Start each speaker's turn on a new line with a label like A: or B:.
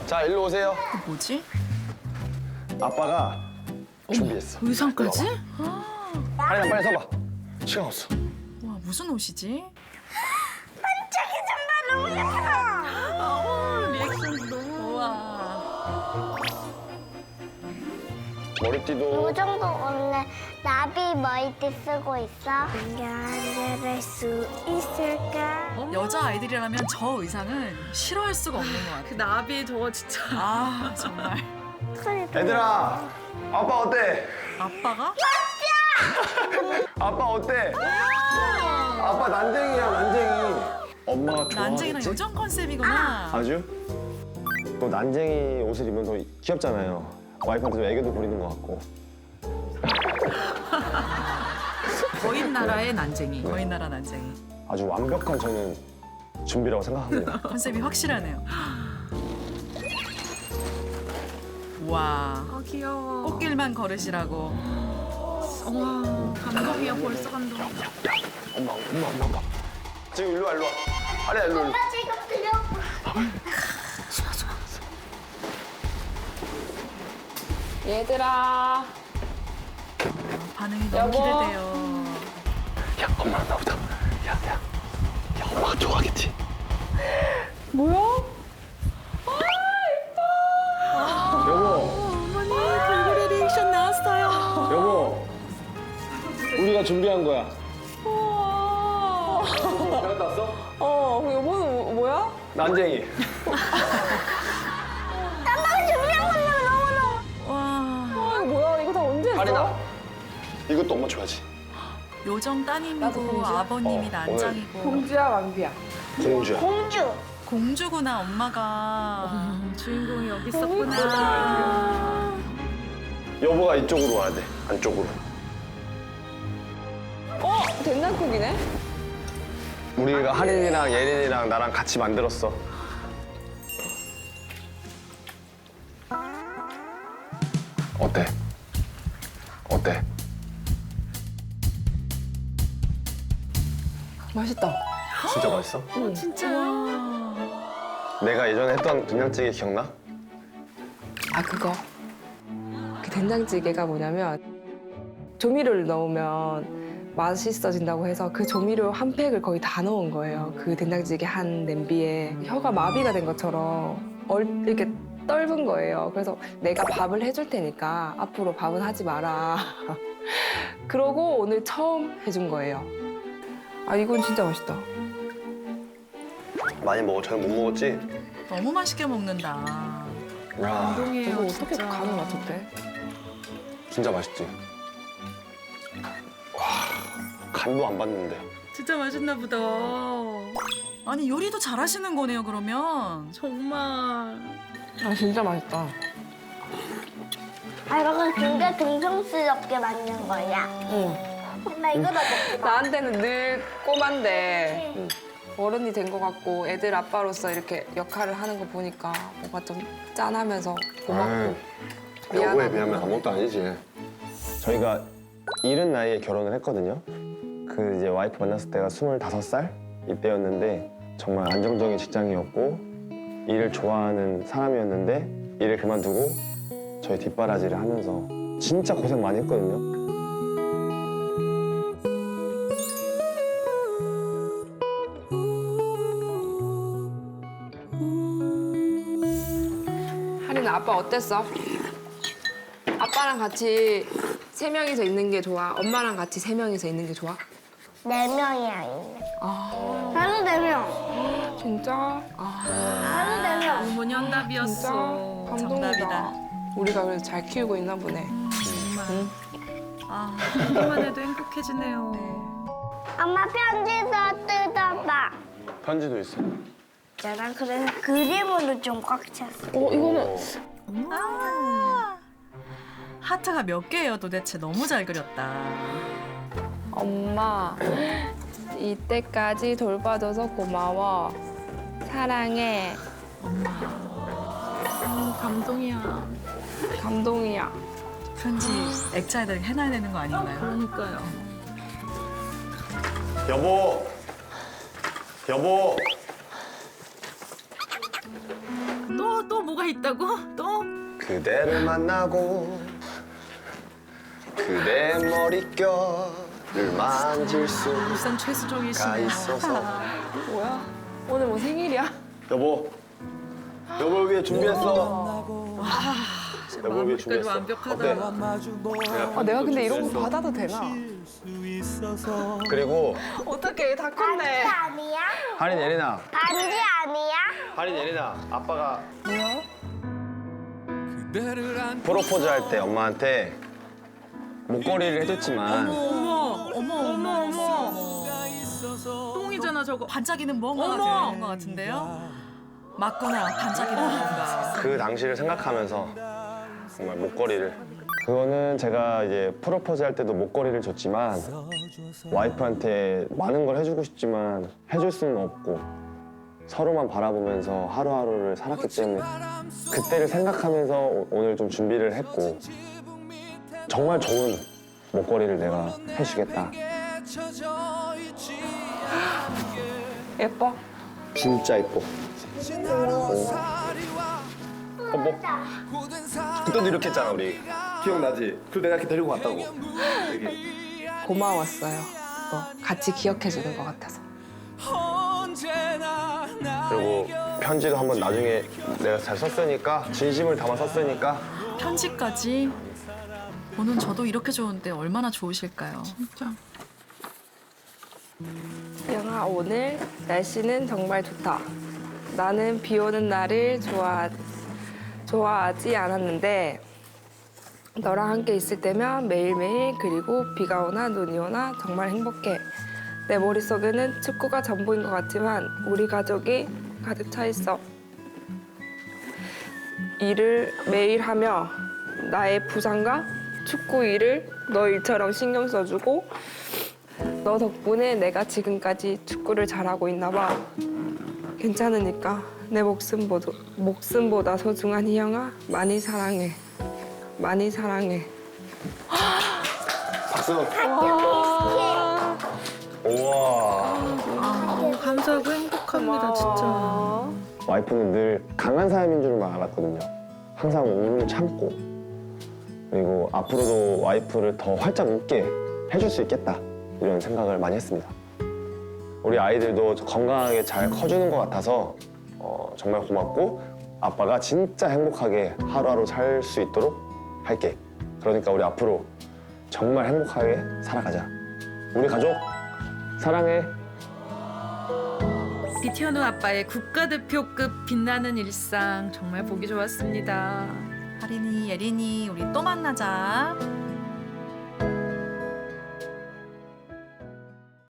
A: 자, 일로 오세요.
B: 뭐지?
A: 아빠가 준비했어.
B: 의상까지?
A: 하린아, 빨리 서봐. 시간 없어.
B: 와, 무슨 옷이지?
C: 너무 예뻐.
B: 리액션도 너무. 우와.
A: 머리띠도
C: 요정도 오늘 나비 머리띠 쓰고 있어. 연결할 수 있을까?
B: 여자 아이들이라면 저 의상은 싫어할 수가 없는 것 같아.
D: 그 나비 저거 진짜.
B: 아, 정말.
A: 얘들아, 아빠 어때?
B: 아빠가?
A: 아빠 어때? 아빠 난쟁이야, 난쟁이. 엄마가
B: 난쟁이랑
A: 좋아하겠지?
B: 요정 컨셉이구나.
A: 아주? 또 난쟁이 옷을 입으면 더 귀엽잖아요. 와이프한테 좀 애교도 부리는 것 같고.
B: 거인 나라의 난쟁이. 거인 나라 난쟁이.
A: 아주 완벽한 저는 준비라고 생각합니다.
B: 컨셉이 확실하네요. 와,
D: 아 귀여워.
B: 꽃길만 걸으시라고.
D: 와 감동이야 벌써 감동.
A: 엄마. 지금 일로 와, 일로 와. 하리야, 일로.
C: 나 지금 들려.
D: 얘들아.
B: 반응이 너무
D: 여보.
B: 기대돼요.
A: 야, 엄마 나보다. 야, 엄마가 좋아하겠지?
D: 뭐야?
A: 여보,
B: 어머니, 돌고래 리액션 나왔어요.
A: 여보. 우리가 준비한 거야.
D: 우와.
A: 잘 갔다 왔어?
D: 여보는 뭐야?
A: 난쟁이.
C: 엄마가 준비한 건데 너무너무.
B: 와,
D: 이거 뭐야? 이거 다 언제 했어?
A: 하린아, 이것도 엄마 줘야지.
B: 요정
D: 나도
B: 따님이고
D: 공주야?
B: 아버님이
A: 오늘
B: 난장이고
D: 공주야 왕비야?
A: 공주야.
C: 공주.
B: 공주구나 엄마가. 주인공이 여기 있었구나.
A: 여보가 이쪽으로 와야 돼, 안쪽으로.
D: 된장국이네?
A: 우리가 하린이랑 예린이랑 나랑 같이 만들었어. 어때? 어때?
D: 맛있다.
A: 진짜 맛있어?
B: 진짜요?
A: 내가 예전에 했던 된장찌개 기억나?
E: 아 그거 그 된장찌개가 뭐냐면 조미료를 넣으면 맛있어진다고 해서 그 조미료 한 팩을 거의 다 넣은 거예요. 그 된장찌개 한 냄비에 혀가 마비가 된 것처럼 이렇게 떫은 거예요. 그래서 내가 밥을 해줄 테니까 앞으로 밥은 하지 마라. 그러고 오늘 처음 해준 거예요. 아 이건 진짜 맛있다.
A: 많이 먹어. 잘 못 먹었지?
B: 너무 맛있게 먹는다.
A: 야,
E: 이거
B: 감동이에요.
E: 어떻게
B: 진짜.
E: 간을 맞췄대?
A: 진짜 맛있지? 와, 간도 안 봤는데.
D: 진짜 맛있나 보다.
B: 아니 요리도 잘하시는 거네요 그러면.
D: 정말.
E: 아 진짜 맛있다.
C: 아, 이거 굉장히 등성스럽게 만든 거야.
E: 응.
C: 엄마 이거 다 먹지 마.
E: 나한테는 늘 꼬만데 어른이 된 것 같고 애들 아빠로서 이렇게 역할을 하는 거 보니까 뭔가 좀 짠하면서 고맙고
A: 여보에
E: 미안하고.
A: 비하면 아무것도 아니지. 저희가 이른 나이에 결혼을 했거든요. 그 이제 와이프 만났을 때가 25살 이때였는데 정말 안정적인 직장이었고 일을 좋아하는 사람이었는데 일을 그만두고 저희 뒷바라지를 하면서 진짜 고생 많이 했거든요.
E: 하린아 아빠 어땠어? 아빠랑 같이 세 명이서 있는 게 좋아? 엄마랑 같이 세 명이서 있는 게 좋아?
C: 4명이야, 있네. 나도 4명.
E: 진짜? 아
C: 나도 4명.
D: 어머니
E: 진짜
D: 한답이었어.
E: 감동이다.
B: 정답이다.
E: 우리가 그래서 잘 키우고 있나 보네.
B: 정말. 아,
D: 듣기만 해도 행복해지네요.
C: 엄마 편지도 뜯어봐.
A: 편지도 있어.
C: 나랑 그래서 그림으로 좀 꽉 찼어.
D: 이거는
B: 아. 하트가 몇 개예요 도대체. 너무 잘 그렸다.
E: 엄마 이때까지 돌봐줘서 고마워. 사랑해.
D: 감동이야.
E: 감동이야.
B: 편지 액자에다 해놔야 되는 거 아닌가요?
D: 그러니까요.
A: 여보, 여보.
B: 또
D: 또 뭐가 있다고? 또?
A: 그대를 만나고 그대 머릿결을 만질 수가
B: 일산 최수종이시네요.
A: 있어서.
E: 뭐야? 오늘 뭐 생일이야?
A: 여보, 여보를 위해 준비했어. 여보를 위해
B: 마무리까지
A: 준비했어.
B: 완벽하다.
A: 어때?
E: 내가 근데 이런 거 받아도 되나?
A: 그리고
E: 어떡해, 다
C: 반지
E: 컸네.
C: 아니야?
A: 할인 예린아,
C: 반지 아니야?
A: 할인 예린아, 아빠가 프로포즈 할 때 엄마한테 목걸이를 해줬지만
B: 어머. 똥이잖아 저거. 반짝이는 뭔가가 되는 것 같은데요? 맞구나. 반짝이는 뭔가.
A: 그 당시를 생각하면서 정말 목걸이를. 그거는 제가 이제 프로포즈 할 때도 목걸이를 줬지만 와이프한테 많은 걸 해주고 싶지만 해줄 수는 없고 서로만 바라보면서 하루하루를 살았기 때문에 그때를 생각하면서 오늘 좀 준비를 했고 정말 좋은 목걸이를 내가 해주겠다.
E: 예뻐?
A: 진짜 이뻐. 뭐 그때도 이렇게 했잖아 우리. 기억나지? 그 내가 이렇게 데리고 갔다고. 여기.
E: 고마웠어요. 같이 기억해주는 것 같아서.
A: 그리고 편지도 한번 나중에 내가 잘 썼으니까 진심을 담아 썼으니까
B: 편지까지. 보는 저도 이렇게 좋은데 얼마나 좋으실까요?
D: 진짜.
E: 영아, 오늘 날씨는 정말 좋다. 나는 비 오는 날을 좋아하지 않았는데 너랑 함께 있을 때면 매일매일 그리고 비가 오나 눈이 오나 정말 행복해. 내 머릿속에는 축구가 전부인 것 같지만 우리 가족이 가득 차 있어. 일을 매일 하며 나의 부상과 축구 일을 너 일처럼 신경 써주고 너 덕분에 내가 지금까지 축구를 잘하고 있나 봐. 괜찮으니까 내 목숨보다 소중한 희영아 많이 사랑해. 많이 사랑해.
A: 박수. 우와.
D: 감사하고 행복합니다, 진짜.
A: 와이프는 늘 강한 사람인 줄만 알았거든요. 항상 울음을 참고 그리고 앞으로도 와이프를 더 활짝 웃게 해줄 수 있겠다 이런 생각을 많이 했습니다. 우리 아이들도 건강하게 잘 커주는 것 같아서 정말 고맙고 아빠가 진짜 행복하게 하루하루 살 수 있도록 할게. 그러니까 우리 앞으로 정말 행복하게 살아가자. 우리 가족 사랑해.
D: 비티오노 아빠의 국가대표급 빛나는 일상 정말 보기 좋았습니다.
B: 하린이, 예린이, 우리 또 만나자.